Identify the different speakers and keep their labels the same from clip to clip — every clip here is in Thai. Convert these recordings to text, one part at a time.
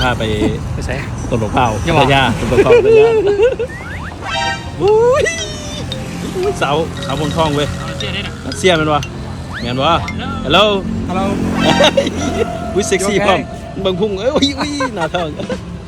Speaker 1: าไปใช้ต้นหลวงเผาต้นยาต้นเผาต้นยาสาวบนท้องเว้ยเสียมันวะเงี้ยวะฮัลโหลวิเซ็กซี่พร้อมบังพุ่งอุ้ยหน้าท้อง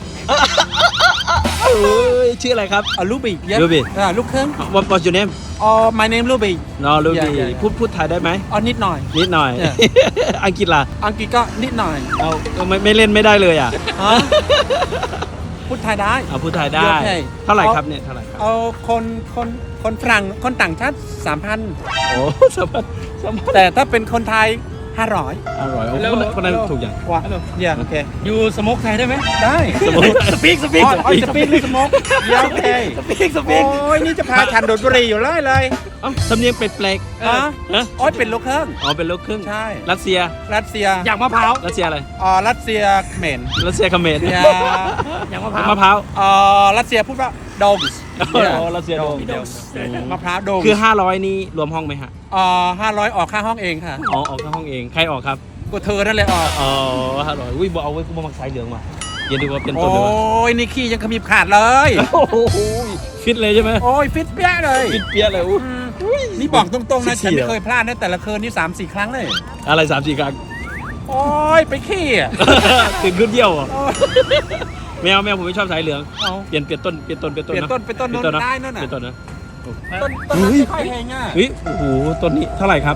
Speaker 1: ชื่ออะไรครับ
Speaker 2: ลูบี้
Speaker 1: ลูบี้
Speaker 2: ลูกครึ่ง
Speaker 1: What's your name
Speaker 2: my name ลูบี้
Speaker 1: ลูบี้พูดไทยได้ไหม
Speaker 2: นิดหน่อย
Speaker 1: อังกฤษล่ะ
Speaker 2: อังกฤษก็นิดหน่อย
Speaker 1: ไม่เล่นไม่ได้เลยอ่ะ
Speaker 2: พูดไทยได้
Speaker 1: พูดไทยได้เท่าไหร่ครับเนี่ยเท่าไหร่ครับ
Speaker 2: คนฝรั่งคนต่างชาติ 3,000
Speaker 1: โอ้3,000
Speaker 2: แต่ถ้าเป็นคนไทย500
Speaker 1: คนนั้นถูกอย่าง
Speaker 2: ว่าโอเค
Speaker 3: อยู่สโมกไทยได้ไหม
Speaker 2: ได้
Speaker 1: สปีก
Speaker 2: สปีกหรือสโมกโอเค
Speaker 1: สปีก
Speaker 2: โอ้ยนี่จะพาฉันโดดบุรีอยู่เลย
Speaker 1: สำเนียงเป็ดแปลก
Speaker 2: โอ้ยเป็นลูกครึ่ง
Speaker 1: เป็นลูกครึ่ง
Speaker 2: ใช่
Speaker 1: รัสเซีย
Speaker 3: อย่างมะพร้าว
Speaker 1: รัสเซียอะไร
Speaker 2: รัสเซียเขมร
Speaker 1: อย่างมะพร้าว
Speaker 2: รัสเซียพูดว่าโดม
Speaker 1: รัสเซียโดม
Speaker 2: มะพร้าวโดม
Speaker 1: คือ500นี้รวมห้องไหมฮะ
Speaker 2: 500ออกค่าห้องเองค่ะ
Speaker 1: ออกค่าห้องเองใครออกครับ
Speaker 2: ก็เธอนั่นแหละออก
Speaker 1: 500บอกเอาไว้กูมามักสายเหลืองมาเย็นดีกว่าเป็นต้น
Speaker 2: เลยโอ้ยนี่ขี้ยังขมิบขาดเลย
Speaker 1: ฟิตเลยใช่ไหม
Speaker 2: โอ้ยฟิตเปี้ยเลยนี่บอกตรงๆนะฉันไม่เคยพลาดนะแต่ละคืนนี่ 3-4 ครั้งเลย
Speaker 1: อะไร 3-4 ครั้ง
Speaker 2: โอ้ยไปขี้
Speaker 1: ตื่นขึ้นเยี่ยวแมวผมไม่ชอบสายเหลืองเปลี่ยนต้น
Speaker 2: ได้นั่นน่ะ
Speaker 1: ต้นนะ
Speaker 2: ต้นไม่ค่อยแพงอ่ะ
Speaker 1: โอ้โหต้นนี้เท่าไหร่ครับ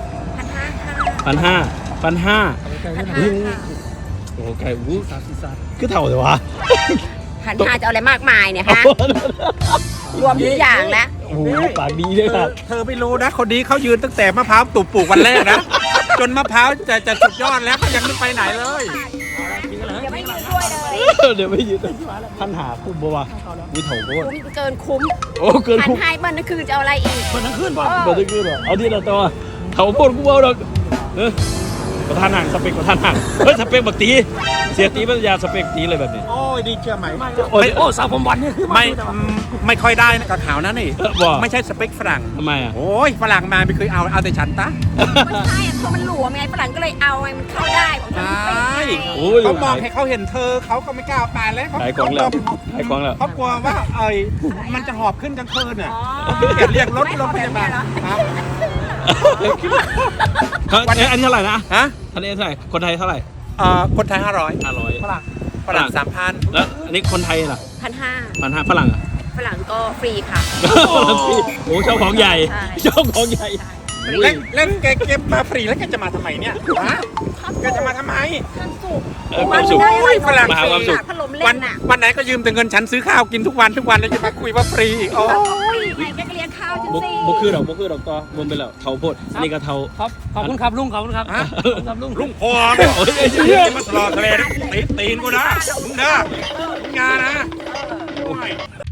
Speaker 1: 1,500โอ้ไก่30คือเท่าเลยวะ
Speaker 4: 1,500จะเอาอะไรมากมายเนี่ยฮะรวมทุกอย่างแล้ว
Speaker 1: โอ้โหปากดีเลยครับ
Speaker 2: เธอไม่รู้นะคนนี้เขายืนตั้งแต่มะพร้าวปลูกวันแรกนะจนมะพร้าวจะสุดยอดแล้วก็ยังไม่ไปไหนเลย
Speaker 4: เดี๋ยวไม่ยืนด้วยเลย
Speaker 1: เดี๋ยวไม่ยืนท่านหาคุ้มบ่วะวิถีโคตร
Speaker 4: เกินคุ้ม
Speaker 1: เกินคุ้ม
Speaker 4: 1,500เบิ้ลนั่นคือจะเอาอะไรอีก
Speaker 1: เบิ้ลนั่นขึ้นป่ะเบิ้ลนั่นขึ้นป่ะเอาที่เราตัวเขาพูดกูเอาดอกประธานห่างสเปกประธานห่างสเปกบักตีเสียตีปัญญาสเปกตีเลยแบบนี้
Speaker 2: โอ้ยดีเชื่อไหม
Speaker 3: สาวผมวันนี่คือ
Speaker 2: ไม่ค่อยได้นะกับขาวนะนี่ไม่ใช่สเปกฝรั่ง
Speaker 1: ทำไม
Speaker 2: โอ้ยฝรั่งมาไม่เคยเอาแต่ฉันตะ
Speaker 4: ไม่ใช่เพราะมันหลวมไงฝรั่งก็เลยเอาไงมันเข้าได้
Speaker 2: ใช่เขามองให้เขาเห็นเธอเขาก็ไม่กล้าไปแล้ว
Speaker 1: ขายของแล้ว
Speaker 2: เขากลัวว่ามันจะหอบขึ้นกลางคืนอ่ะเรียกรถลงพยาบาล
Speaker 1: อันนี้เท่าไหร่นะอันนี้เท่าไหร่คนไทยเท่าไหร่
Speaker 2: คนไทย500ฝรั่ง 3,000
Speaker 1: แล้วอันนี้คนไทยล่ะ
Speaker 4: 1,500
Speaker 1: ฝรั่งอ่ะ
Speaker 4: ฝรั่งก็ฟรีค่ะ
Speaker 1: โอ้เจ้าของใหญ่
Speaker 2: เล่นแกเก็บมาฟรีแล้วแกจะมาทำไมเนี่ยแกจะมาทำไม
Speaker 1: ความสุข
Speaker 2: ฝรั่ง
Speaker 1: มาความสุข
Speaker 2: วันไหนก็ยืมแต่เงินฉันซื้อข้าวกินทุกวันแล้วจะมาคุยว่าฟรี
Speaker 4: โอ้ยแกก็เลี้ยงข้าวจริง
Speaker 1: ๆบุคือดอกต่อรวมไปแล้วเท่าโพดนี่ก็เท่า
Speaker 3: ขอบคุณครับลุง
Speaker 2: ลุงพอมาสลอทะเลตีนกูนะมึงนะงานนะ